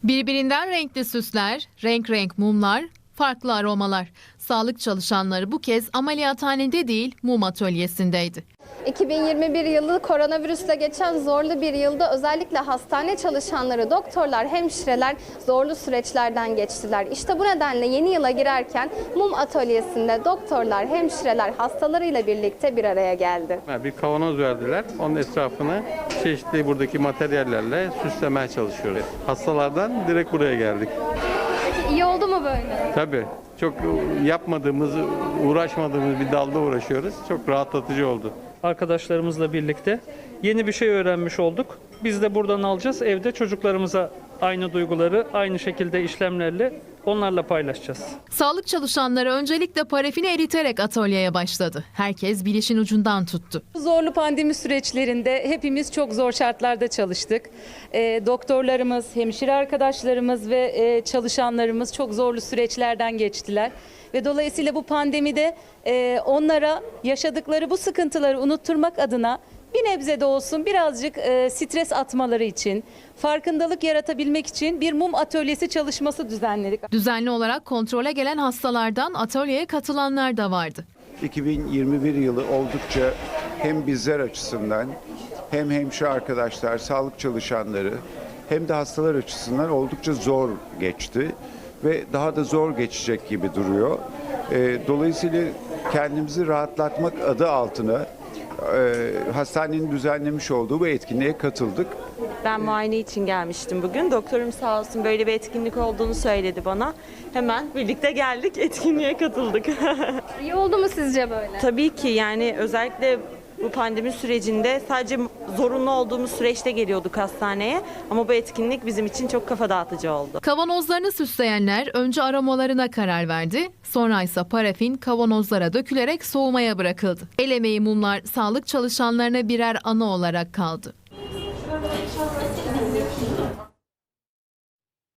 Birbirinden renkli süsler, renk renk mumlar, farklı aromalar. Sağlık çalışanları bu kez ameliyathanede değil, mum atölyesindeydi. 2021 yılı koronavirüsle geçen zorlu bir yılda özellikle hastane çalışanları, doktorlar, hemşireler zorlu süreçlerden geçtiler. İşte bu nedenle yeni yıla girerken mum atölyesinde doktorlar, hemşireler hastalarıyla birlikte bir araya geldi. Bir kavanoz verdiler. Onun etrafını çeşitli buradaki materyallerle süslemeye çalışıyoruz. Hastalardan direkt buraya geldik. İyi oldu mu böyle? Tabii çok yapmadığımız, uğraşmadığımız bir dalda uğraşıyoruz. Çok rahatlatıcı oldu. Arkadaşlarımızla birlikte yeni bir şey öğrenmiş olduk. Biz de buradan alacağız. Evde çocuklarımıza aynı duyguları, aynı şekilde işlemlerle onlarla paylaşacağız. Sağlık çalışanları öncelikle parafini eriterek atölyeye başladı. Herkes bir işin ucundan tuttu. Zorlu pandemi süreçlerinde hepimiz çok zor şartlarda çalıştık. Doktorlarımız, hemşire arkadaşlarımız ve çalışanlarımız çok zorlu süreçlerden geçtiler. Ve dolayısıyla bu pandemide onlara yaşadıkları bu sıkıntıları unutturmak adına bir nebze de olsun birazcık stres atmaları için, farkındalık yaratabilmek için bir mum atölyesi çalışması düzenledik. Düzenli olarak kontrole gelen hastalardan atölyeye katılanlar da vardı. 2021 yılı oldukça hem bizler açısından hem hemşire arkadaşlar, sağlık çalışanları hem de hastalar açısından oldukça zor geçti ve daha da zor geçecek gibi duruyor. Dolayısıyla kendimizi rahatlatmak adı altına hastanenin düzenlemiş olduğu bu etkinliğe katıldık. Ben muayene için gelmiştim bugün. Doktorum sağ olsun böyle bir etkinlik olduğunu söyledi bana. Hemen birlikte geldik, etkinliğe katıldık. İyi oldu mu sizce böyle? Tabii ki yani özellikle bu pandemi sürecinde sadece zorunlu olduğumuz süreçte geliyorduk hastaneye. Ama bu etkinlik bizim için çok kafa dağıtıcı oldu. Kavanozlarını süsleyenler önce aromalarına karar verdi. Sonra ise parafin kavanozlara dökülerek soğumaya bırakıldı. El emeği mumlar sağlık çalışanlarına birer anı olarak kaldı.